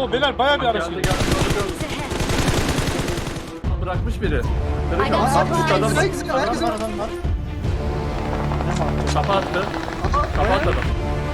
Oo beyler bayağı bir araç Geldi geliyor. Bırakmış biri. I got supplies. Herkes var. Adam var. Kapattı. Kapattı adam.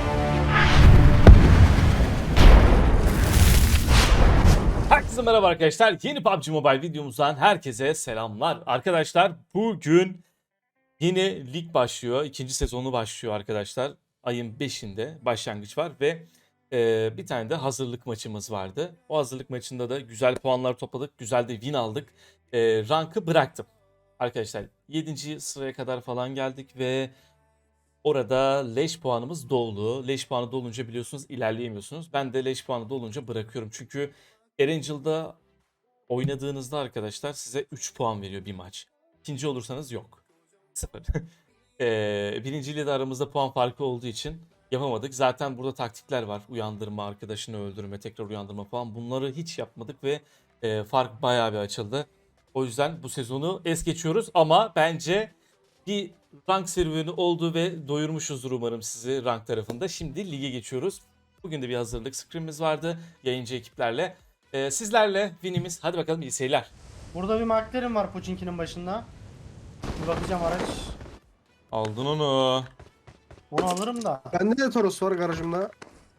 Herkese merhaba arkadaşlar. Yeni PUBG Mobile videomuzdan herkese selamlar. Arkadaşlar bugün yeni lig başlıyor. İkinci sezonu başlıyor arkadaşlar. Ayın 5'inde başlangıç var ve bir tane de hazırlık maçımız vardı. O hazırlık maçında da güzel puanlar topladık. Güzel de win aldık. Rankı bıraktım. Arkadaşlar 7. sıraya kadar falan geldik ve orada leş puanımız doldu. Leş puanı dolunca biliyorsunuz ilerleyemiyorsunuz. Ben de leş puanı dolunca bırakıyorum. Çünkü Erangel'da oynadığınızda arkadaşlar size 3 puan veriyor bir maç. İkinci olursanız yok. 0. Birinciyle de aramızda puan farkı olduğu için yapamadık. Zaten burada taktikler var. Uyandırma, arkadaşını öldürme, tekrar uyandırma falan. Bunları hiç yapmadık ve fark bayağı bir açıldı. O yüzden bu sezonu es geçiyoruz ama bence bir rank serüveni oldu ve doyurmuşuzdur umarım sizi rank tarafında. Şimdi lige geçiyoruz. Bugün de bir hazırlık scrimimiz vardı yayıncı ekiplerle. Sizlerle winimiz. Hadi bakalım iyi seyirler. Burada bir McLaren var Pochinki'nin başında. Bir bakacağım araç. Aldın onu. Onu alırım da. Bende de Toros var garajımda.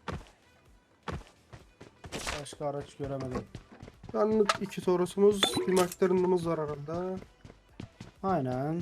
Başka araç göremedim. Ben 2 Toros'umuz, bir McLaren'ımız var arada. Aynen.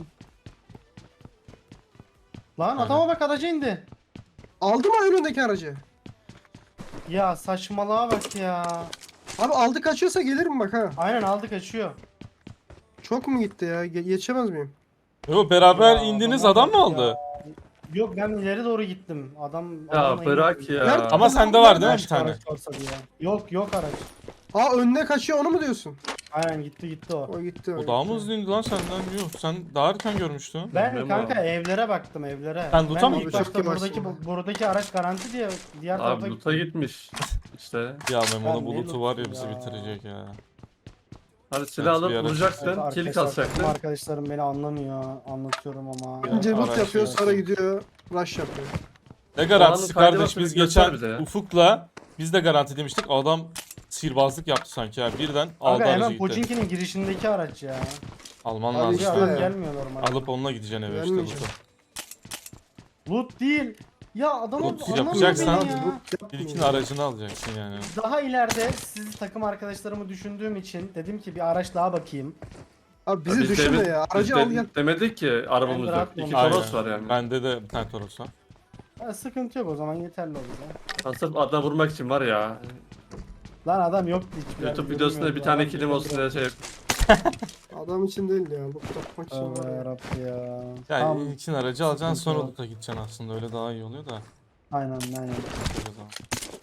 Lan Aynen. adama bak, araca indi. Aldı mı önündeki aracı? Ya saçmalığa bak ya. Abi aldı kaçıyorsa gelirim bak ha. Aynen, aldı kaçıyor. Çok mu gitti ya? Yetişemez miyim? Yo, beraber Ya, indiniz adama adam mı bak aldı? ya. Yok, ben ileri doğru gittim. Adam Ya adamla bırak indi. ya. Nerede? Ama sende var değil mi bir Başka tane? araç varsa diye. Yok araç. Aa önüne kaçıyor onu mu diyorsun? Aynen, gitti o. O gitti. O daha mı hızlı indi lan senden? Yok sen daha erken görmüştün. Ben Memo. kanka evlere baktım, evlere. Sen loot'a Ben mı ilk gittin? başta Çok buradaki yavaşsın. buradaki araç garanti diye diğer tarafa Abi loot'a gitmiş. İşte. Ya Memo'nun Ben bulutu var ya ne bizi lootu ya? bitirecek ya. Hadi silah Evet, bir alıp ara- vuracaksın. Evet, Kilik arkadaşlar, alacaksın. arkadaşlarım beni anlamıyor. Anlatıyorum ama. Önce loot Araç yapıyor ya. sonra gidiyor rush yapıyor. Ne garantisi Puanın kardeş, faydalı biz göster geçen bize ya. Ufuk'la biz de garanti demiştik. Adam sihirbazlık yaptı sanki ya. Birden aldı Abi aracı hemen gitti. Pochinki'nin girişindeki araç ya. Alman Abi lazım. işte Adam ya. gelmiyor normal. Alıp onunla gideceksin eve işte Gelmeyeceğim. loot'u. Loot değil. Ya adamı Loot anlamıyor yapacaksan- beni ya. İlkin aracını alacaksın yani. Daha ileride siz takım arkadaşlarımı düşündüğüm için dedim ki bir araç daha bakayım. Abi bizi Biz düşünme demin- ya. biz Aracı al gel. Demedik ki arabamız Ben yok. rahat 2 olmam. Toros var yani. Bende de bir tane Toros var. Ha, sıkıntı yok, o zaman yeterli olur ya. Sırf adına vurmak için var ya. Lan adam yoktu hiçbir yerde, YouTube videosunda bir görünmüyordu. tane Adam kilim olsun diye biraz- şey. Adam için değil ya. Loot yapmak için Tövbe var ya. yarabbi ya. Yani Tamam. ilkin aracı alacaksın Sıkıntı sonra yok. loot'a gideceksin aslında. Öyle daha iyi oluyor da. Aynen. O zaman.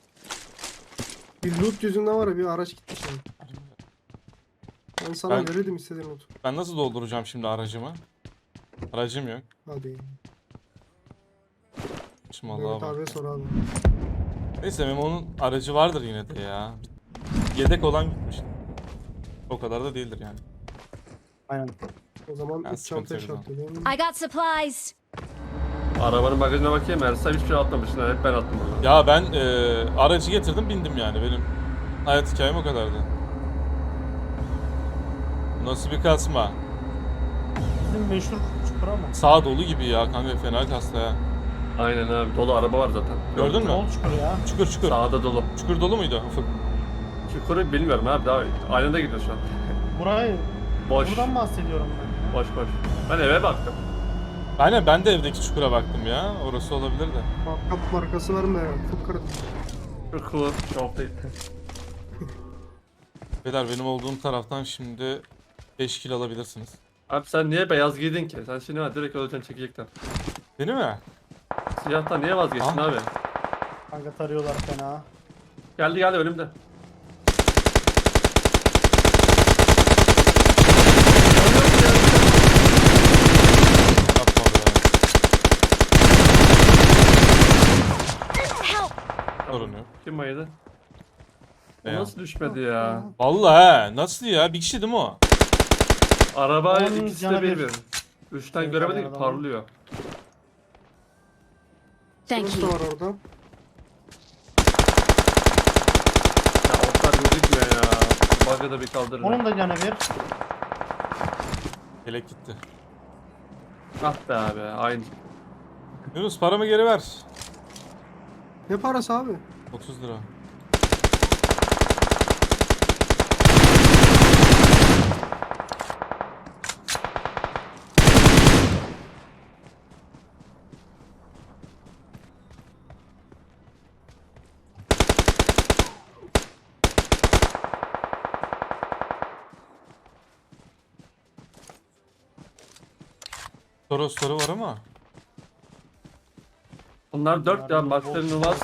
Bir loot yüzünden var ya bir araç gitti şimdi. Ben sana Ben- verirdim istediğin loot. Ben nasıl dolduracağım şimdi aracımı? Aracım yok. Hadi. Şimdi Mehmet Allah'a bak. abiye sor abi. Neyse Memo'nun aracı vardır yine de ya. Yedek olan gitmiş. O kadar da değildir yani. Aynen. O zaman Ben 3 sıkıntı çantaya yok o şartlayayım. I got supplies. Arabanın bagajına bakayım. Ersem hiçbir şey atmamışsın. Hep ben attım bunu. Ya ben aracı getirdim bindim yani. Benim hayat hikayem o kadardı. Nasıl bir kasma? Bizim meşhur çukur ama. Sağ dolu gibi ya kanka, fena kasta ya. Aynen abi. Dolu araba var zaten. Gördün mü? Yol çukuru ya. Çukur çukur. Sağda dolu. Çukur dolu muydu Ufuk? Çukuru bilmiyorum abi. Daha aynı da gidiyor şu an. Burayı, Boş. buradan bahsediyorum ben. Boş. Ben eve baktım. Aynen, ben de evdeki çukura baktım ya. Orası olabilir de. Kap markası var mı ya? Çok kırdım. Çukur. Çok değil. Beyler benim olduğum taraftan şimdi 5 kill alabilirsiniz. Abi sen niye beyaz giydin ki? Sen şimdi var direkt öleceksin çekecekten. Değil mi? Siyahtan niye vazgeçtin Ah. abi? Kanka tarıyorlar fena. Geldi önümde. Yapma be. Help. Sorun yok. Kim bayıldı? O Ya. nasıl düşmedi ya? Vallahi he. Nasıl ya? Bir kişi değil mi o? Araba Onun ikisi canı de bir bir. bir. Üçten Evet, göremedik adamın. parlıyor. Thank Toros you. da var orada. Ya gözükmüyor ya. Bug'ı da bir kaldırır. Onun da canı bir. Yelek gitti. Ah be abi aynı. Yunus paramı geri ver. Ne parası abi? 30 lira. Torosları var ama. Bunlar 4 ya. Max'ların var.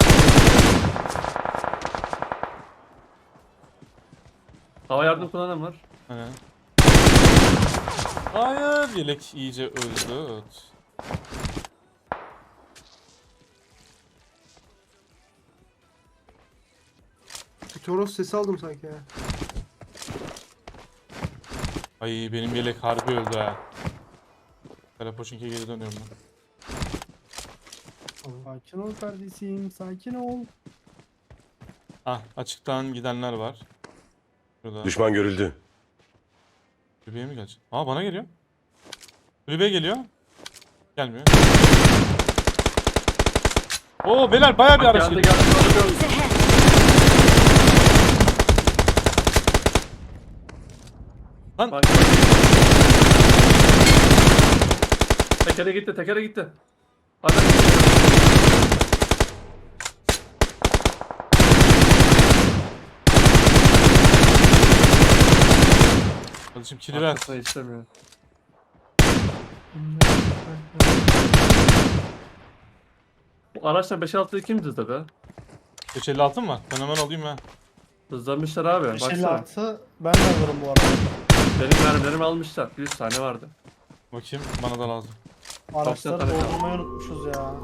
Hava yardım kullanan var. Hani. Hayır, yelek iyice öldü. Evet. Bir Toros sesi aldım sanki ya. Ay benim yelek harbi öldü ha. Karapoşinki'ye geri dönüyorum ben. Sakin ol kardeşim, sakin ol. Ah, açıktan gidenler var. Şurada. Düşman görüldü. Kulübeye mi gelecek? Aa, bana geliyor. Kulübeye geliyor. Gelmiyor. Oo beyler, bayağı bir araç Geldi geliyor. geldi. Enemies ahead! Lan Bak. Tekere gitti, tekere gitti. Hadi. kardeşim kili ver. Arkasına istemiyor. Bu araçla 5-6'yı kim hızlı be? 556 mı var? Ben hemen alayım ha. Hızlanmışlar abi. Baksana. 556 ben de alırım bu arada. Benim mermilerimi almışlar. 100 tane vardı. Bakayım, bana da lazım. Araçları tane kaldı. doldurmayı unutmuşuz ya.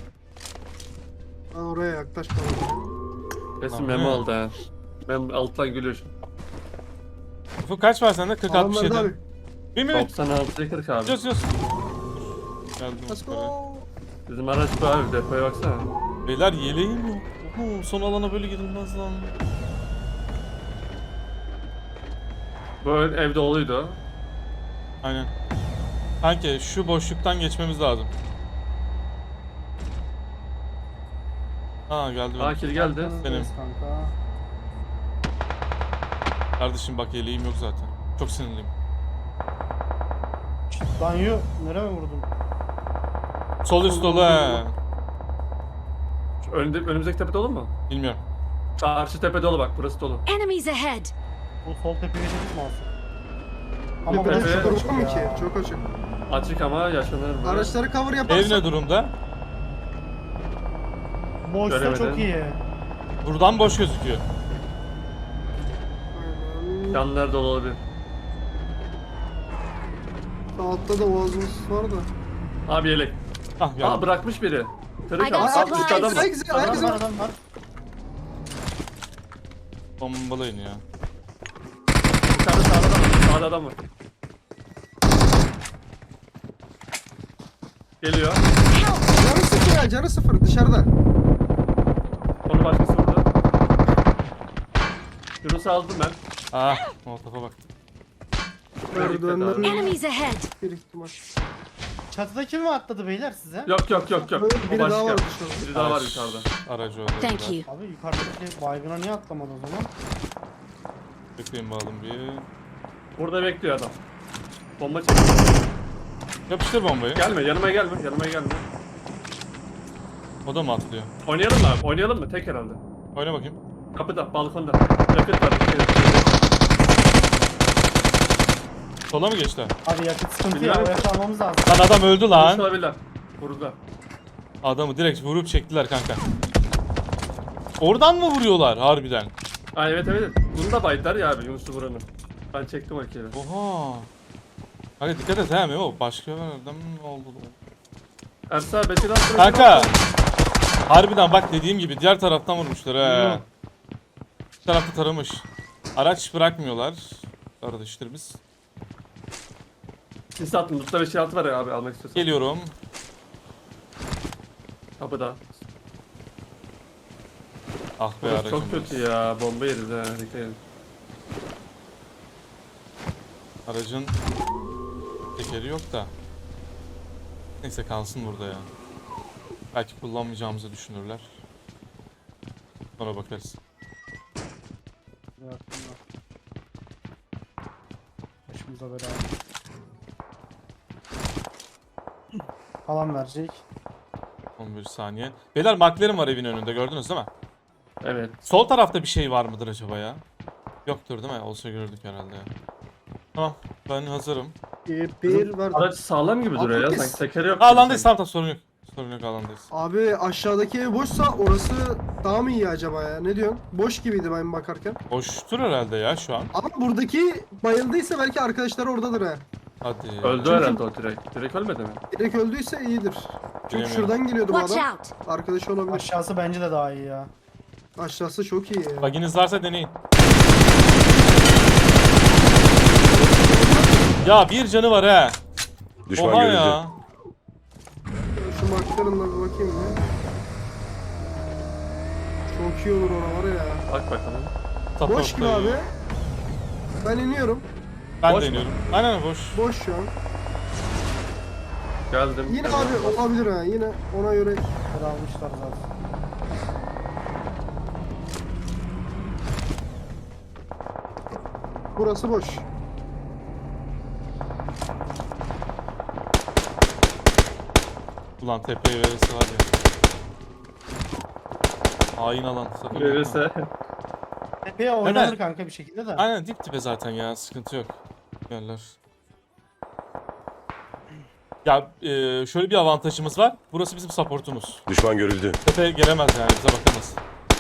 Ben oraya yaklaşmadım. Kesin Tamam. memo aldı ha. Ben alttan gülüyor şu. Ufuk kaç var sende? 40 Adamlar da 67. abi. 1 mi? 96'ya 40 abi. Gidiyoruz gidiyoruz. Geldim. Let's böyle. go. Bizim araç bu abi. Depoya baksana. Beyler yeleğim yok. Oho, son alana böyle girilmez lan. Bu ev doluydu. Aynen. Kanki şu boşluktan geçmemiz lazım. Ha geldi benim. Akil geldi. Arkanızdayız kanka. Kardeşim bak yeleğim yok zaten. Çok sinirliyim. Banyo nereye mi vurdun? Sol üst dolu he. Şu önümüzdeki tepe dolu mu? Bilmiyorum. Karşı tepe dolu bak. Burası dolu. Enemies ahead! Bu sol tepeye geçelim mi alsın? Ama Tepede burası Tepe- çok çok açık mı açık ki? ya. Çok açık. Açık ama yaşanır mı? Araçları cover Ev yaparsak. ne durumda? Boşsa Göremedim. çok iyi. Buradan boş gözüküyor. Aynen. Yanlar dolu olabilir. Sağ altta da oğazımız var da. Abi yelek. Ah geldi. Aa bırakmış biri. Kırık I got abi. supplies. Üstte adam var. Herkese Adam herkese var var. adam var. Bombalayın ya. Yukarıda sağda adam var. Sağda adam var. Geliyor. Canı sıfır ya, canı sıfır dışarıda. Onu başkası vurdu. Yunus'u aldım ben. Ah, molotofa bak. Merdivenlerin Enemies ahead! bir ihtimal. Çatıda kim mi atladı beyler size? Yok. Böyle O biri daha başka. var dışarıda. Biri daha var Araç- yukarıda. Aracı orada. Thank biraz. you. Abi yukarıdaki baygına niye atlamadı o zaman? Bekleyin bakalım bir. Burada bekliyor adam. Bomba çekiyor. Yapıştır bombayı. Gelme yanıma gelme. Yanıma gelme. O da mı atlıyor? Oynayalım mı abi? Oynayalım mı? Tek herhalde. Oyna bakayım. Kapıda, balkonda. Yakıt var. Sola mı geçti? Abi yakıt sıkıntı ya, Bilmiyorum. oraya kalmamız lazım. Lan adam öldü Lan. lan. Olabilirler. Vurdular. Adamı direkt vurup çektiler kanka. Oradan mı vuruyorlar harbiden? Aa evet. Bunu da baydılar ya abi Yunus'u vuranın. Ben çektim o kere. Oha. Hadi dikkat et he Memo. Başka nereden mi oldu? Ersa Betül Aslı. Kanka. Harbiden bak dediğim gibi diğer taraftan vurmuşlar he. Bir tarafta taramış. Araç bırakmıyorlar. Kardeşler biz. Sis attım. Lut'ta 5-6 var ya abi almak istiyorsan. Geliyorum. Kapıda. Ah be Burası aracım. çok kötü ya. Bomba yeriz ha. Dikkat edin. Aracın tekeri yok da. Neyse kalsın burada ya. Belki kullanmayacağımızı düşünürler. Sonra bakarız. Başımıza bela. Alan verecek. 11 saniye. Beyler McLaren var evin önünde gördünüz değil mi? Evet. Sol tarafta bir şey var mıdır acaba ya? Yoktur değil mi? Olsa görürdük herhalde ya. Tamam ben hazırım. Bir var. Araç sağlam gibi duruyor ya. Abi, Sanki tekeri yok. gibi Alandayız sanki. tamam sorun yok. Sorun yok alandayız. Abi aşağıdaki ev boşsa orası daha mı iyi acaba ya? Ne diyorsun? Boş gibiydi ben bakarken. Boştur herhalde ya şu an. Ama buradaki bayıldıysa belki arkadaşları oradadır ha. Hadi. Öldü herhalde o direkt. Direkt ölmedi mi? Direkt öldüyse iyidir. Çünkü Bilemiyorum. şuradan geliyordu bu Watch adam. out! Arkadaşı olabilir. Aşağısı bence de daha iyi ya. Aşağısı çok iyi ya. Baginiz varsa deneyin. Ya bir canı var he. Düşman Oha görüldü. ya. Şu McLaren'la bir bakayım ya. Çok iyi olur oralar ya. Bak bakalım. Boş gibi abi. Ben iniyorum. Ben Boş de mu? iniyorum. Aynen boş. Boş şu an. Geldim. Yine Geldim. abi olabilir ha. Yine ona göre Bir almışlar zaten. burası boş. Ulan tepeye verirse var ya. Hain alan. sakın yapma. Verirse. Tepeye oynanır Evet. kanka bir şekilde de. Aynen dip dibe zaten ya sıkıntı yok. Yerler. Ya şöyle bir avantajımız var. Burası bizim supportumuz. Düşman görüldü. Tepe gelemez yani bize bakınız.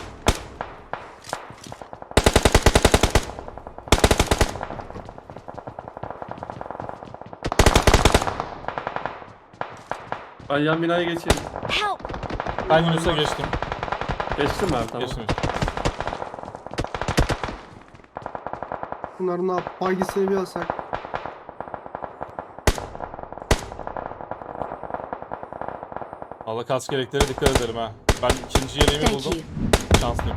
Ben yan binaya geçeyim. Help! Ben Yunus'a geçtim. Geçtim ben tamam. Geçtim. Bunların ne yap? Bagisini bir alsak. Allah kask gereklere dikkat edelim ha. Ben ikinci yeleğimi Thank buldum. you. Şanslıyım.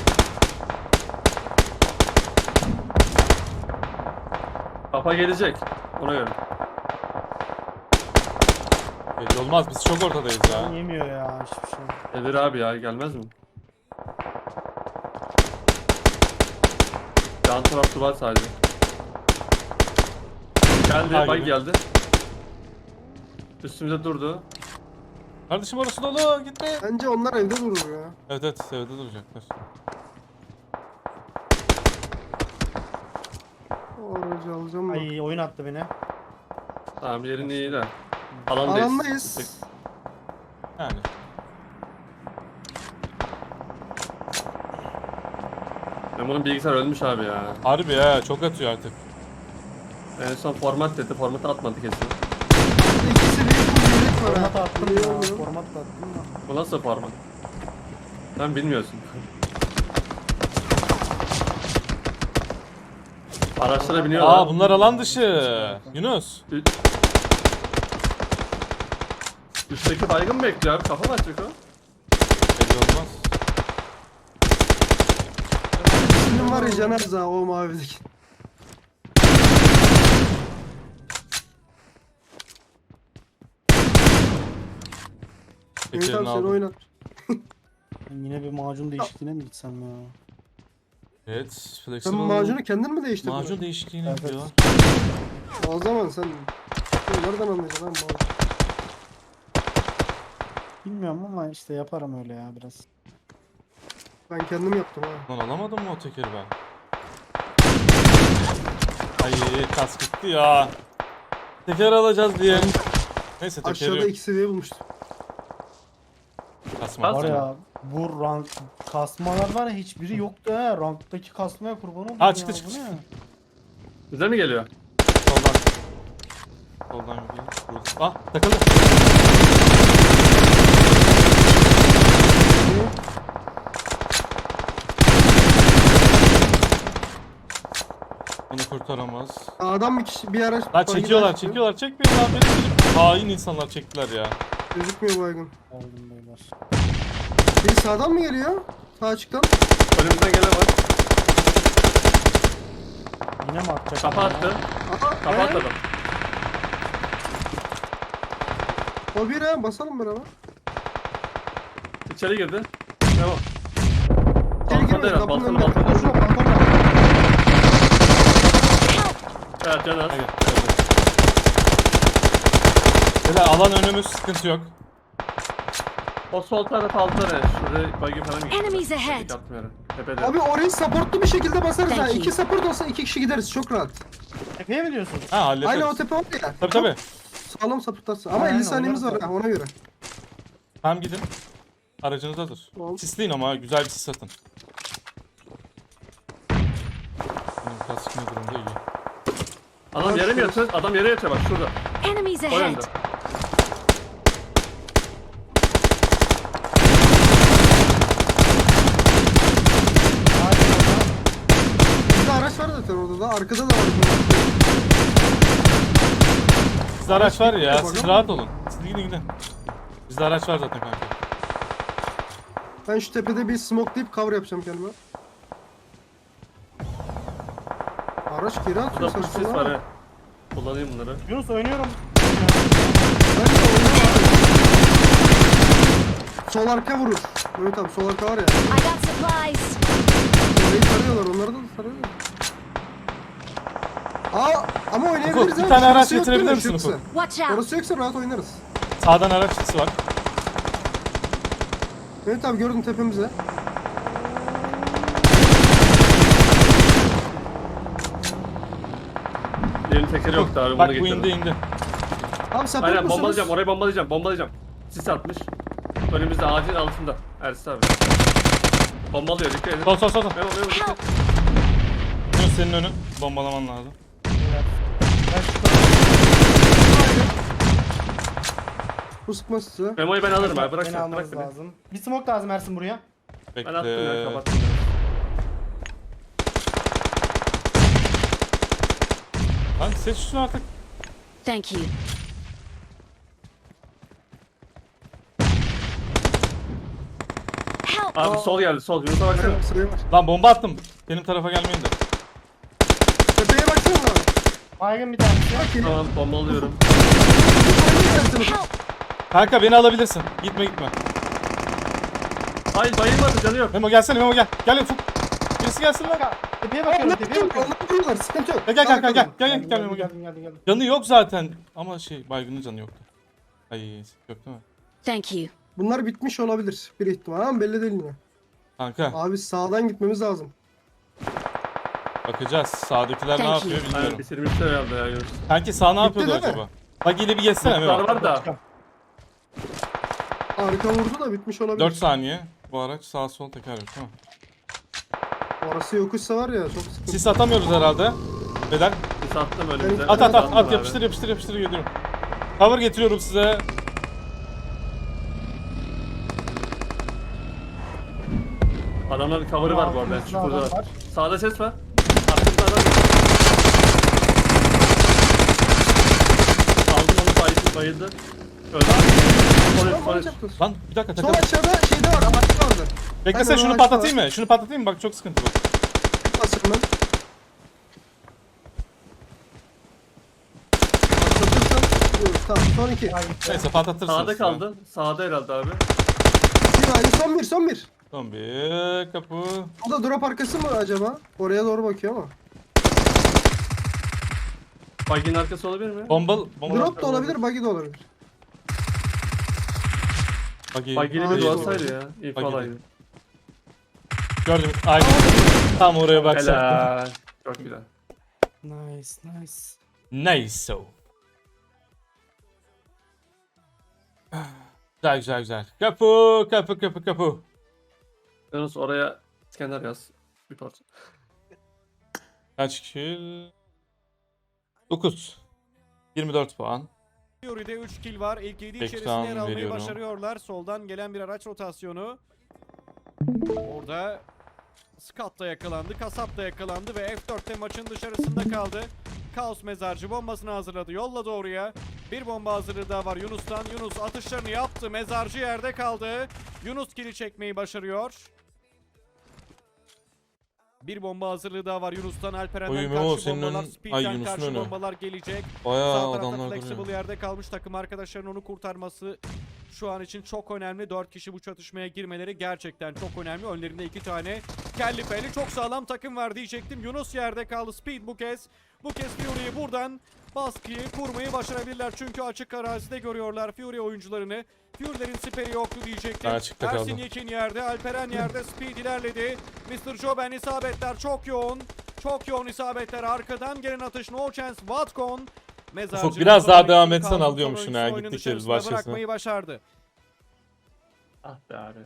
Kafa gelecek. Ona göre. Belli olmaz biz çok ortadayız ya. Yemiyor ya hiçbir şey. Gelir abi ya gelmez mi? Yan tarafı var sadece. Geldi, Ha, bay gibi. geldi. Üstümüze durdu. Kardeşim orası dolu gitme. Bence onlar evde durur ya. Evet evet evde duracaklar. O aracı alacağım da. Ay oyun attı beni. Tamam yerin iyi de. Alandayız. Alandayız. Yani. Ben bunun bilgisayar ölmüş abi ya. Harbi ya çok atıyor artık. En son format dedi. Formatı atmadı kesin. İkisi bir yelek var Format ha. attım Biliyor ya. musun? Format da attım da. Bu nasıl format? Sen bilmiyorsun. Araçlara biniyorlar. Aa bunlar alan dışı. Yunus. Üstteki baygın bekliyor abi. Kafa mı açacak o? Belli olmaz. Senin var ya Caner ha o mavideki. Mehmet Tekerini abi seni aldım. oynat. Ben yine bir macun değişikliğine mi gitsem ya? Evet. Sen Flexible. macunu kendin mi değiştirdin? Macun değişikliğini Evet, yapıyor. O zaman sen nereden anlayacaksın lan macun? Bilmiyorum ama işte yaparım öyle ya biraz. Ben kendim yaptım ha. Lan alamadım mı o tekeri ben? Ay kask gitti ya. Teker alacağız diye. Neyse tekeri Aşağıda yok. 2 seviye bulmuştum. Kasma. Kas- Var Aslında. ya bu rank kasmalar var ya hiçbiri yoktu ha. Ranktaki kasmaya kurban oldum Ha, ya. çıktı, Bu çıktı, ne? Bize mi geliyor? Soldan. Soldan bir vurdu. Ah takıldı. Bunu kurtaramaz. Adam bir kişi bir araç. Lan bagi çekiyorlar daha çıkıyor. çekiyorlar çekmeyin lan benim. Hain insanlar çektiler ya. Gözükmüyor baygın. Aldım beyler. Biri sağdan mı geliyor? Sağ açıktan. Önümüzden gelen var. Yine mi atacak? Kafa attı. Aha, Kafa attı adam. O bir ha, basalım beraber. İçeri girdi. Devam. İçeri Balkonda girmeyin, herhalde, kapının balkonda, önünde. balkonda. Şurada, balkonda. Evet can az. Hadi. Beyler alan önümüz, sıkıntı yok. O sol taraf altta ne? Şuraya bagi falan mı gitti? Enemies ahead. Atmıyorum. Tepede. Abi orayı supportlu bir şekilde basarız ha. Thank you. 2 support olsa 2 kişi gideriz çok rahat. Tepeye mi diyorsun? Ha hallederiz. Aynen o tepe var ya. Tabii tabii. Sağlam supportlarsın. Ama Aynen, 50 saniyemiz var onları ha ona göre. Tamam gidin. Aracınız hazır. Tamam. Sisleyin ama güzel bir sis atın. Benim kask ne durumda iyi. Adam yere mi yatıyor? Adam yere yatıyor bak şurada. Enemies O ahead. yönde. Bizde araç var zaten orada da. Arkada da var. Sizde araç var ya, Bakalım. siz rahat olun. Siz gidin gidin. Bizde araç var zaten kanka. Ben şu tepede bir smokelayıp cover yapacağım kendime. Araç geri atıyor Burada full sis saçmalama. var he. Kullanayım bunları. Yunus oynuyorum. Ben de oynuyorum abi. Sol arka vurur. Evet abi sol arka var ya. I got supplies. Orayı sarıyorlar onları da sarıyorlar. Aa ama oynayabiliriz Ufuk, bir abi. tane araç Şurası yok getirebilir değil mi? misin Şurası. Ufuk? Watch out. Orası yoksa rahat oynarız. Sağdan araç sisi var. Evet abi gördüm tepemize. Yerin tekeri yoktu abi bunu Bak bu getirdim. indi indi. Abi support Aynen musunuz? bombalayacağım orayı bombalayacağım bombalayacağım. Sis atmış. Önümüzde ağacın altında. Ersin abi. Bombalıyor dikkat edin. Sol sol sol. sol. Memo memo dikkat. Yunus senin önün. Bombalaman lazım. Ben şu tarafa- Bu sıkmaz size. Memo'yu ben alırım abi bırak Beni sen bırak almanız beni. lazım. Bir smoke lazım Ersin buraya. Ben attım ya Bekle. kapattım. Lan seç şunu artık. Thank you. Help. Abi sol geldi sol. Yunus'a baksana. Aynen, sıraya var. Lan bomba attım. Benim tarafa gelmeyin de. Tepeye baksana abi. Baygın bir tanesi. Bak geliyor. Tamam bombalıyorum. Help. Kanka beni alabilirsin. Gitme gitme. Hayır bayılmadı canı yok. Memo gelsene Memo gel. Gel Ufuk. Birisi gelsin lan. Tepeye bakıyorum, tepeye bakıyorum. Onlar vuruyorlar sıkıntı yok. Gel kanka gel. Gel Geldim, gel Memo geldim, gel. geldim. Canı yok zaten. Ama şey baygının canı yoktu. Ay yok değil mi? Thank you. Bunlar bitmiş olabilir bir ihtimal ama belli değil yine. Kanka Abi sağdan gitmemiz lazım. bakacağız. Sağdakiler ne Thank yapıyor you. Aynen bilmiyorum. bitirmişler herhalde ya Yunus. Kanki sağ ne Bitti yapıyordu değil mi? acaba? Bak yine bir geçsene Bunlar Memo. var da. Arka vurdu da bitmiş olabilir. 4 saniye. Bu araç sağ sol teker yok değil mi? Orası yokuşsa var ya çok sıkıntı. Sis atamıyoruz herhalde. Beyler Sis attım önümüze. at at at Attım at abi. yapıştır yapıştır yapıştır geliyorum. Cover getiriyorum size. Adamların cover'ı var bu arada. Altımızda Çukurda adam var. var. Sağda ses var. Arkamda adam. Aldım onu bayıldı. Öldü. Tamam, Polis. yapacaksın. Lan bir dakika Sol takıl. aşağıda şeyde var amaçlı vardı. Beklesene Aynen, o şunu ağaçta patlatayım var. mı? Şunu patlatayım mı? Bak çok sıkıntı bu. Basıyorum ben. Patlatırsan diyoruz. Tamam son iki. Neyse patlatırsınız. Sağda ya. kaldı. Sağda herhalde abi. Bir aynı son bir son bir. Son bir kapı. O da drop arkası mı acaba? Oraya doğru bakıyor ama. Bagin arkası olabilir mi? Bomba. Drop da olabilir, buggy de olabilir. Bagi. Bagili Ağaç bir var. duasaydı ya. İlk Bagili. olaydı. Gördüm. Aynen. Tam oraya baksaktım. Helal. Çok güzel. Nice, nice. Neyse. Güzel güzel güzel. Kapı kapı kapı kapı. Yunus oraya İskender yaz. Bir parça. Kaç kill? 9. 24 puan. Fury'de 3 kill var. İlk 7 Backdown içerisinde yer almayı veriyorum. başarıyorlar. Soldan gelen bir araç rotasyonu. Orada Scott da yakalandı, Kasap da yakalandı ve F4'te maçın dışarısında kaldı. Kaos mezarcı bombasını hazırladı, yolladı oraya. Bir bomba hazırlığı daha var Yunus'tan. Yunus atışlarını yaptı, mezarcı yerde kaldı. Yunus kill'i çekmeyi başarıyor. Bir bomba hazırlığı daha var Yunus'tan, Alperen'den Oy, Memo, karşı senin bombalar, ön- Speed'den Ay, Yunus'un karşı önü. bombalar gelecek. Bayağı Sağ tarafta adamlar Flexible duruyor. yerde kalmış, takım arkadaşlarının onu kurtarması şu an için çok önemli. 4 kişi bu çatışmaya girmeleri gerçekten çok önemli. Önlerinde 2 tane kelli felli çok sağlam takım var diyecektim. Yunus yerde kaldı, Speed bu kez. Bu kez Fury'yi buradan baskıyı kurmayı başarabilirler. Çünkü açık arazide görüyorlar Fury oyuncularını. Fury'lerin siperi yoktu diyecektim. Ben açıkta Ersin kaldım. Yekin yerde, Alperen yerde, Speed ilerledi. Mr. Joben isabetler çok yoğun. Çok yoğun isabetler. Arkadan gelen atış no chance. Vatcon mezarcı. Ufuk, biraz daha Sonraki devam etsen kaldı. alıyormuşsun Sonraki ha, oyunun gittikçe biz dışarısına başkasına. bırakmayı başardı. Ah be abi.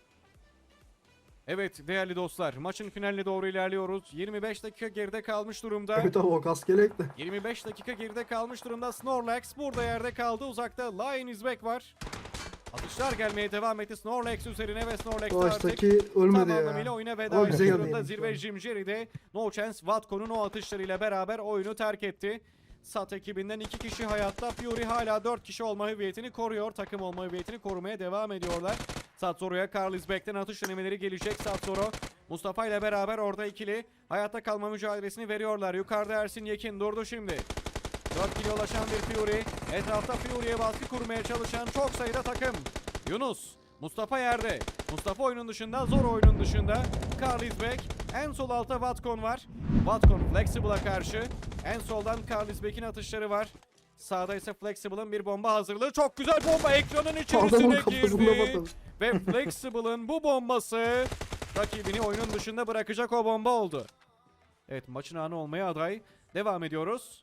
Evet değerli dostlar, maçın finaline doğru ilerliyoruz. 25 dakika geride kalmış durumda. Evet abi o kask gerek de. 25 dakika geride kalmış durumda. Snorlax burada yerde kaldı. Uzakta Lion is back var. Atışlar gelmeye devam etti Snorlax üzerine ve Snorlax artık Baştaki ölmedi tam anlamıyla ya. oyuna veda Ama güzel etmiş geldi durumda. yani. Zirve Jim Jerry de No Chance Vatko'nun o atışlarıyla beraber oyunu terk etti. SAT ekibinden 2 kişi hayatta. Fury hala 4 kişi olma hüviyetini koruyor. Takım olma hüviyetini korumaya devam ediyorlar. Satsoro'ya Carl Isbek'ten atış denemeleri gelecek. Satsoro Mustafa ile beraber orada ikili hayatta kalma mücadelesini veriyorlar. Yukarıda Ersin Yekin durdu şimdi. 4 kilo ulaşan bir Fury. Etrafta Fury'ye baskı kurmaya çalışan çok sayıda takım. Yunus. Mustafa yerde. Mustafa oyunun dışında, zor oyunun dışında. Carl Isbek. En sol altta Vatcon var. Vatcon Flexible'a karşı. En soldan Carl Isbek'in atışları var. Sağda ise Flexible'ın bir bomba hazırlığı. Çok güzel bomba ekranın Adamın içerisine kafasına girdi. bakalım. Ve Flexible'ın bu bombası rakibini oyunun dışında bırakacak o bomba oldu. Evet, maçın anı olmaya aday. Devam ediyoruz.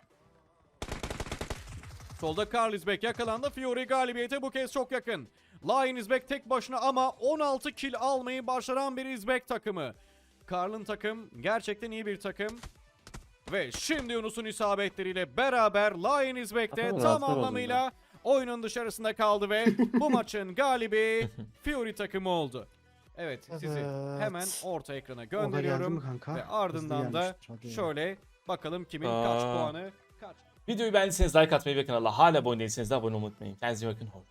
Solda Carl Isbek yakalandı. Fury galibiyete bu kez çok yakın. Lion Isbek tek başına ama 16 kill almayı başaran bir Isbek takımı. Carl'ın takım gerçekten iyi bir takım. Ve şimdi Yunus'un isabetleriyle beraber Lion Isbek de Aslında tam rahatsız oldum anlamıyla oyunun dışarısında kaldı ve bu maçın galibi Fury takımı oldu. Evet, sizi Evet. hemen orta ekrana geldi mi gönderiyorum kanka? ve Hızlı ardından da gelmiş. Hadi ya. şöyle bakalım kimin kaç Aa. puanı kaç. Videoyu beğendiyseniz like atmayı ve kanala hala abone değilseniz de abone olmayı unutmayın. Kendinize iyi bakın. Hoşça kalın.